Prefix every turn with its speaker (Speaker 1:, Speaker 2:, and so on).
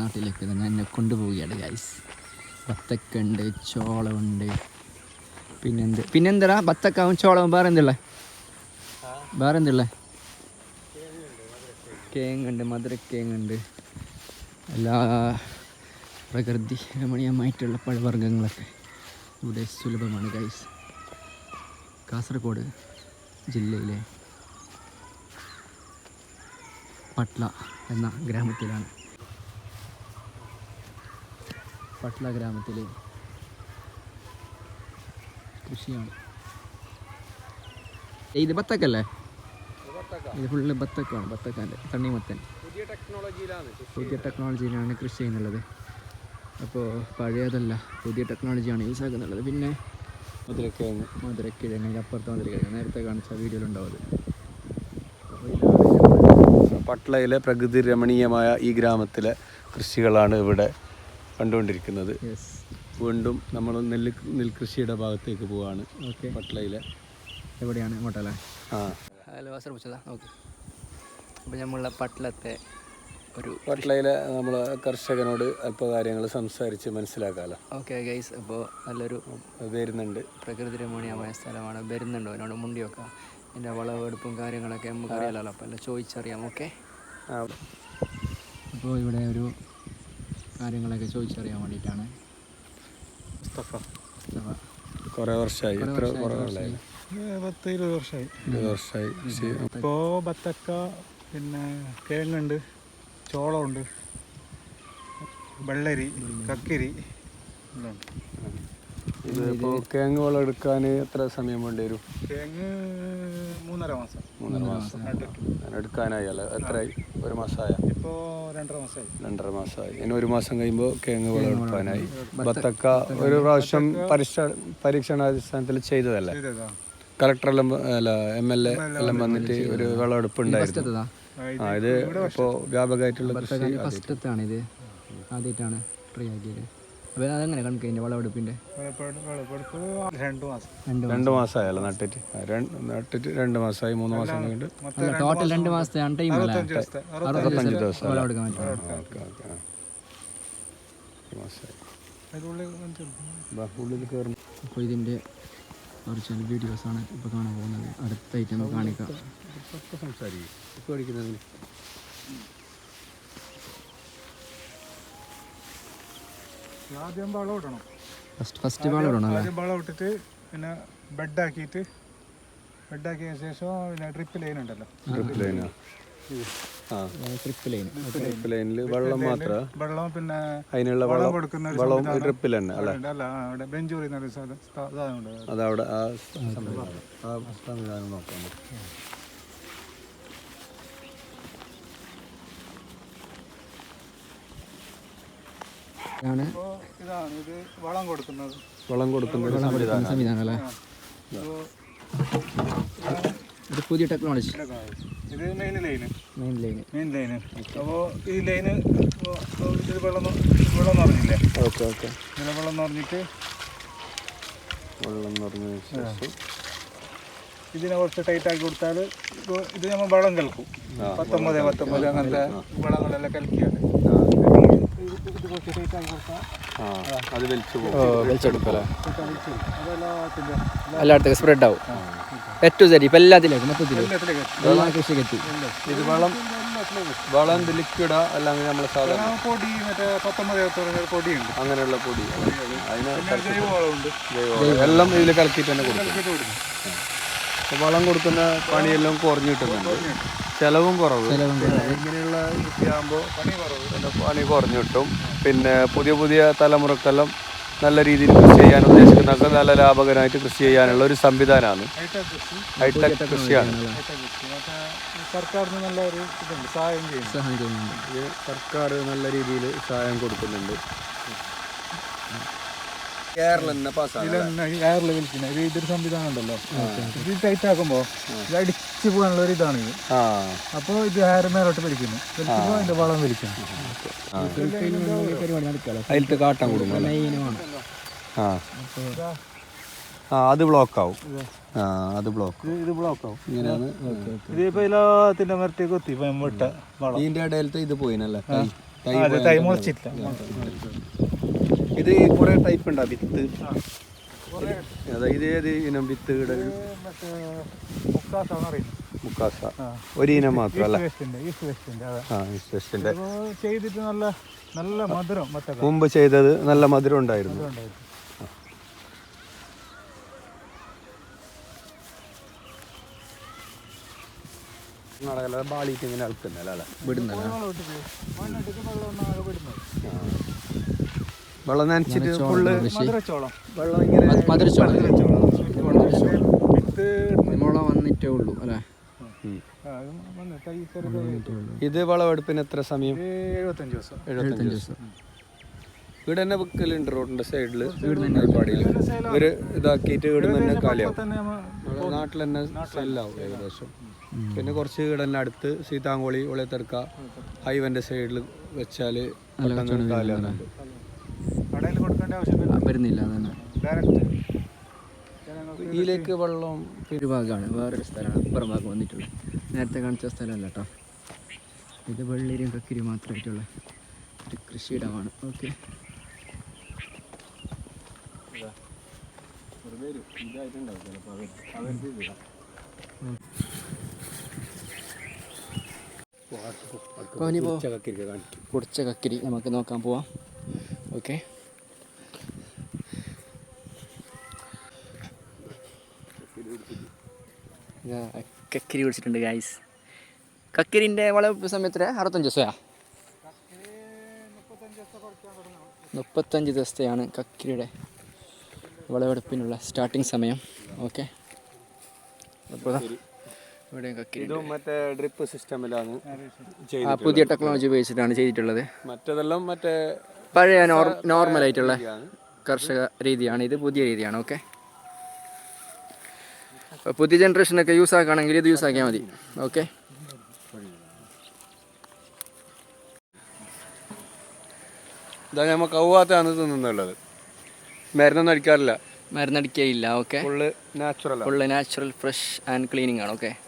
Speaker 1: നാട്ടിലേക്ക് തന്നെ എന്നെ കൊണ്ടുപോവുകയാണ് ഗൈസ്. ബത്തക്കുണ്ട്, ചോളമുണ്ട്, പിന്നെന്താ ബത്തക്കാവും ചോളവും വേറെ എന്തുള്ള കേങ്ങുണ്ട്, മധുരക്കേങ്ങുണ്ട്, എല്ലാ പ്രകൃതി രമണീയമായിട്ടുള്ള പഴവർഗ്ഗങ്ങളൊക്കെ ഇവിടെ സുലഭമാണ് ഗൈസ്. കാസർഗോഡ് ജില്ലയിലെ പട്ല എന്ന ഗ്രാമത്തിലാണ്. പട്ല ഗ്രാമത്തിലെ കൃഷിയാണ് ഇത്. ബത്തക്കല്ലേ ഇത്? ഫുള്ള് ബത്തക്കാണ്, ബത്തക്കാൻ്റെ തണ്ണിമത്തൻ. പുതിയ ടെക്നോളജിയിലാണ് കൃഷി ചെയ്യുന്നുള്ളത്. അപ്പോൾ പഴയതല്ല, പുതിയ ടെക്നോളജിയാണ് യൂസ് ആക്കുന്നുള്ളത്. പിന്നെ മധുരക്കിഴങ്ങ് അപ്പുറത്തെ മധുരക്കിഴങ്ങ് നേരത്തെ കാണിച്ച വീഡിയോയിലുണ്ടാവും.
Speaker 2: പട്ലയിലെ പ്രകൃതി രമണീയമായ ഈ ഗ്രാമത്തിലെ കൃഷികളാണ് ഇവിടെ കണ്ടുകൊണ്ടിരിക്കുന്നത്. വീണ്ടും നമ്മൾ നെൽകൃഷിയുടെ ഭാഗത്തേക്ക് പോവാണ്.
Speaker 1: ഓക്കെ,
Speaker 2: പട്ലയിലെ
Speaker 1: എവിടെയാണ്? ഇങ്ങോട്ടല്ലേ? ഹലോ വാസർ വെച്ചതാ. ഓക്കെ, അപ്പോൾ നമ്മളുടെ
Speaker 2: പട്ലയിലെ നമ്മൾ കർഷകനോട് അല്പ കാര്യങ്ങൾ സംസാരിച്ച് മനസ്സിലാക്കാമല്ലോ.
Speaker 1: ഓക്കെ ഗൈസ്, അപ്പോൾ നല്ലൊരു
Speaker 2: വരുന്നുണ്ട്,
Speaker 1: പ്രകൃതി രമണീയമായ സ്ഥലമാണ്. വരുന്നുണ്ടോ എന്നോട് മുണ്ടി വെക്കാം. എൻ്റെ വളവെടുപ്പും കാര്യങ്ങളൊക്കെ നമുക്ക് അറിയാമല്ലോ, അപ്പോൾ എല്ലാം ചോദിച്ചറിയാം. ഓക്കെ, അപ്പോൾ ഇവിടെ ഒരു കാര്യങ്ങളൊക്കെ ചോദിച്ചറിയാൻ വേണ്ടിയിട്ടാണ്.
Speaker 2: കുറേ വർഷമായി. എത്ര കുറവുണ്ടായി?
Speaker 3: 10-20 വർഷമായി.
Speaker 2: 20 വർഷമായി.
Speaker 3: ഇപ്പോൾ ബത്തക്ക, പിന്നെ കിഴങ്ങുണ്ട്, ചോളമുണ്ട്, വെള്ളരി, കക്കിരി എല്ലാം ഉണ്ട്.
Speaker 2: ഇതിപ്പോൾ കിഴങ്ങ് വളം എടുക്കാൻ എത്ര സമയം വേണ്ടി വരും?
Speaker 3: കിഴങ്ങ് 3.5 മാസം.
Speaker 2: 3.5 മാസം എടുക്കാനായല്ലോ. എത്രയായി? 1 മാസമായ?
Speaker 3: ഇപ്പോൾ 2.5 മാസമായി.
Speaker 2: 2.5 മാസമായി. ഇനി 1 മാസം കഴിയുമ്പോൾ കിഴങ്ങ് വളം എടുക്കാനായി. ബത്തക്ക ഒരു പ്രാവശ്യം പരീക്ഷണാടിസ്ഥാനത്തിൽ ചെയ്തതല്ലേ? കളക്ടറെല്ലാം അല്ല MLA എല്ലാം വന്നിട്ട് ഒരു വിളവെടുപ്പ് ഉണ്ടായിരുന്നു. ഇത് ഇപ്പോൾ വ്യാപകമായിട്ടുള്ള
Speaker 1: ഫസ്റ്റത്താണ്. ഇത് ആദ്യമായിട്ടാണ് ട്രൈ ആക്കിയത്. അപ്പോൾ അതെങ്ങനെ കണക്കിൻ്റെ വിളവെടുപ്പിൻ്റെ?
Speaker 2: 2 മാസമായല്ലോ നട്ടിട്ട്. 2 മാസമായി. 3 മാസം കഴിഞ്ഞിട്ട്
Speaker 1: ടോട്ടൽ 2 മാസത്തെയാണ് ടൈം.
Speaker 2: 65 ദിവസം
Speaker 1: വിളവെടുക്കാൻ പറ്റും.
Speaker 2: ഉള്ളിൽ കയറുന്നു.
Speaker 1: അപ്പോൾ ഇതിൻ്റെ ഒറിജിനൽ വീഡിയോസാണ് ഇപ്പോൾ കാണാൻ പോകുന്നത്. അടുത്തായിട്ട് നമുക്ക് കാണിക്കാം.
Speaker 2: സംസാരിക്കും ഇപ്പോൾ അടിക്കുന്നതിന്
Speaker 3: ആദ്യം വളം ഇടണം.
Speaker 1: ഫസ്റ്റ് വളം ഇടണം അല്ലേ?
Speaker 3: ആദ്യം വളം ഇട്ടിട്ട് പിന്നെ ബെഡാക്കിയ ശേഷം പിന്നെ ഡ്രിപ്പ് ലൈൻ ഉണ്ടല്ലോ.
Speaker 2: ഡ്രിപ്പ് ലൈനിൽ വെള്ളം മാത്രം.
Speaker 3: വെള്ളം പിന്നെ
Speaker 2: അതിനുള്ള വളം
Speaker 3: കൊടുക്കുന്ന
Speaker 2: ഡ്രിപ്പിൽ തന്നെ അല്ല?
Speaker 3: അവിടെ ബെഞ്ചൂറി സാധനമുണ്ട്.
Speaker 2: അതവിടെ ആ സംവിധാനം നോക്കാൻ പറ്റും.
Speaker 3: ഇതാണ് ഇത് വളം കൊടുക്കുന്നത്
Speaker 1: സംവിധാനം അല്ലേ? ഇത് പുതിയ ടെക്നോളജി.
Speaker 3: ഇത് മെയിൻ ലൈന്. അപ്പോൾ ഈ ലൈന് ഇത് വെള്ളം നിറഞ്ഞില്ലേ?
Speaker 2: ഓക്കെ.
Speaker 3: ഇങ്ങനെ വെള്ളം നിറഞ്ഞിട്ട്
Speaker 2: ശേഷം
Speaker 3: ഇതിനെ കുറച്ച് ടൈറ്റ് ആക്കി കൊടുത്താൽ ഇത് നമ്മൾ വളം കലക്കും. 19 അങ്ങനത്തെ വളങ്ങളെല്ലാം കലക്കിയാണ്. ഇത് കുറച്ച് ടൈറ്റ് ആക്കി കൊടുത്താൽ
Speaker 2: അത് വലിച്ചെടുക്കല്ലേ?
Speaker 1: എല്ലായിടത്തേക്കും സ്പ്രെഡ് ആവും. ഏറ്റവും ശരി ഇപ്പം എല്ലാത്തിലേക്കും മൊത്തത്തിൽ കൃഷിക്ക് എത്തി.
Speaker 2: ഇത് വളം ലിക്വിഡാ അല്ലെങ്കിൽ നമ്മൾ സാധാരണ
Speaker 3: പൊടി, മറ്റേ 19 പൊടിയുണ്ട്, അങ്ങനെയുള്ള
Speaker 2: പൊടി. അതിന്
Speaker 3: ജൈവവളമുണ്ട്.
Speaker 2: എല്ലാം ഇതിൽ കലക്കിയിട്ട് തന്നെ കൊടുക്കും. വളം കൊടുക്കുന്ന പണിയെല്ലാം കുറഞ്ഞു കിട്ടുന്നുണ്ട്. ചിലവും കുറവ്. ഇങ്ങനെയുള്ള കൃഷിയാകുമ്പോൾ പണി കുറഞ്ഞു കിട്ടും. പിന്നെ പുതിയ തലമുറക്കെല്ലാം നല്ല രീതിയിൽ കൃഷി ചെയ്യാൻ ഉദ്ദേശിക്കുന്നതൊക്കെ നല്ല ലാഭകരമായിട്ട് കൃഷി ചെയ്യാനുള്ള ഒരു സംവിധാനമാണ്. ഹൈടെക് കൃഷിയാണ്.
Speaker 3: സർക്കാരിന് നല്ല ഒരു ഇതുണ്ട്, സഹായം ചെയ്യുന്നുണ്ട്.
Speaker 2: സർക്കാർ നല്ല രീതിയിൽ സഹായം കൊടുക്കുന്നുണ്ട്. ഇതൊരു
Speaker 3: സംവിധാനം ഉണ്ടല്ലോ. ഇത് ടൈറ്റ് ആക്കുമ്പോ ഇത് അടിച്ചു പോകാനുള്ള ഒരു ഇതാണ് ഇത്. അപ്പൊ ഇത് ഹെയർ മേലോട്ട് വലിക്കുന്നു. വലിക്കുമ്പോ അതിന്റെ വളം വലിക്കുന്നു.
Speaker 2: അതിലത്തെ കാട്ടാൻ കൊടുക്കും. അത് ബ്ലോക്ക് ആവും. ഇത് ബ്ലോക്ക് ആവും. ഇങ്ങനെയാണ്.
Speaker 3: ഇതിപ്പോ എല്ലാത്തിന്റെ മരത്തേക്ക് എത്തി.
Speaker 2: ഇതിന്റെ ഇടയിലത്തെ ഇത് പോയിനല്ലേ?
Speaker 3: അതെ തൈ മുളച്ചിട്ടില്ല.
Speaker 2: ഇത് കുറേ ടൈപ്പ് ഉണ്ടോ വിത്ത്? അതായത് ഏത് ഇനം വിത്ത്?
Speaker 3: മറ്റേ മുക്കാസാണ് അറിയുന്നത്.
Speaker 2: മുക്കാസ ഒരു ഇനം മാത്രമല്ല.
Speaker 3: ചെയ്തിട്ട് നല്ല നല്ല മധുരം.
Speaker 2: മുമ്പ് ചെയ്തത് നല്ല മധുരം ഉണ്ടായിരുന്നു. ബാളിയിട്ട് ഇങ്ങനെ അളക്കുന്നല്ലേ വിടുന്നല്ല. വെള്ളം നനച്ചിട്ട് ഫുള്ള് വെള്ളം ഇങ്ങനെ
Speaker 1: മുള വന്നിട്ടേ ഉള്ളൂ അല്ലേ?
Speaker 2: ഇത് വിളവെടുപ്പിന് എത്ര സമയം?
Speaker 3: 75 ദിവസം.
Speaker 2: 75 ദിവസം. ഇവിടെ തന്നെ വിൽക്കലുണ്ട് റോഡിന്റെ സൈഡിൽ. പാടിയിൽ ഇവര് ഇതാക്കിയിട്ട് ഇവിടെ തന്നെ കാലിയാവും. നാട്ടിൽ തന്നെ സെല്ലാവും ഏകദേശം. പിന്നെ കുറച്ച് ഇവിടെ തന്നെ അടുത്ത് സീതാങ്കോളി ഒളിയത്തെർക്ക ഹൈവന്റെ സൈഡിൽ വെച്ചാൽ കാലിയാവുന്നുണ്ട്.
Speaker 3: കടയിൽ കൊടുക്കേണ്ട ആവശ്യം
Speaker 1: വരുന്നില്ല. അതന്നെ
Speaker 2: ഇതിലേക്ക് വെള്ളം
Speaker 1: ഒരു ഭാഗമാണ്, വേറൊരു സ്ഥലമാണ് അപ്പുറം ഭാഗം വന്നിട്ടുള്ളത്. നേരത്തെ കാണിച്ച സ്ഥലമല്ല കേട്ടോ. ഇത് വെള്ളരിയും കക്കിരി മാത്രമായിട്ടുള്ള ഒരു കൃഷിയിടമാണ്. ഓക്കെ, പൊടിച്ച കക്കിരി നമുക്ക് നോക്കാൻ പോവാം. ഓക്കെ, കക്കിരി പിടിച്ചിട്ടുണ്ട് ഗായ്സ്. കക്കിരിൻ്റെ വളവെടുപ്പ് സമയത്ത് 65 ദിവസമാണ്. 35 ദിവസത്തെയാണ് കക്കിരിയുടെ വിളവെടുപ്പിനുള്ള സ്റ്റാർട്ടിങ് സമയം. ഓക്കെ, അപ്പോൾ ഇവിടെ കക്കിരി
Speaker 2: മറ്റേ ഡ്രിപ്പ് സിസ്റ്റമിലാണ്
Speaker 1: പുതിയ ടെക്നോളജി ഉപയോഗിച്ചിട്ടാണ് ചെയ്തിട്ടുള്ളത്.
Speaker 2: മറ്റേതെല്ലാം മറ്റേ
Speaker 1: പഴയ നോർമലായിട്ടുള്ള കർഷക രീതിയാണ്, ഇത് പുതിയ രീതിയാണ്. ഓക്കെ, പുതിയ ജനറേഷനൊക്കെ യൂസ് ആക്കുകയാണെങ്കിൽ ഇത് യൂസ് ആക്കിയാൽ മതി. ഓക്കെ,
Speaker 2: ഇതാ നമ്മൾ കൗവാത്താണ് തിന്നുന്നുള്ളത്. മരുന്നൊന്നും അടിക്കാറില്ല.
Speaker 1: മരുന്നടിക്കുകയില്ല. Okay,
Speaker 2: full natural
Speaker 1: natural fresh and cleaning ആണ്. ഓക്കെ.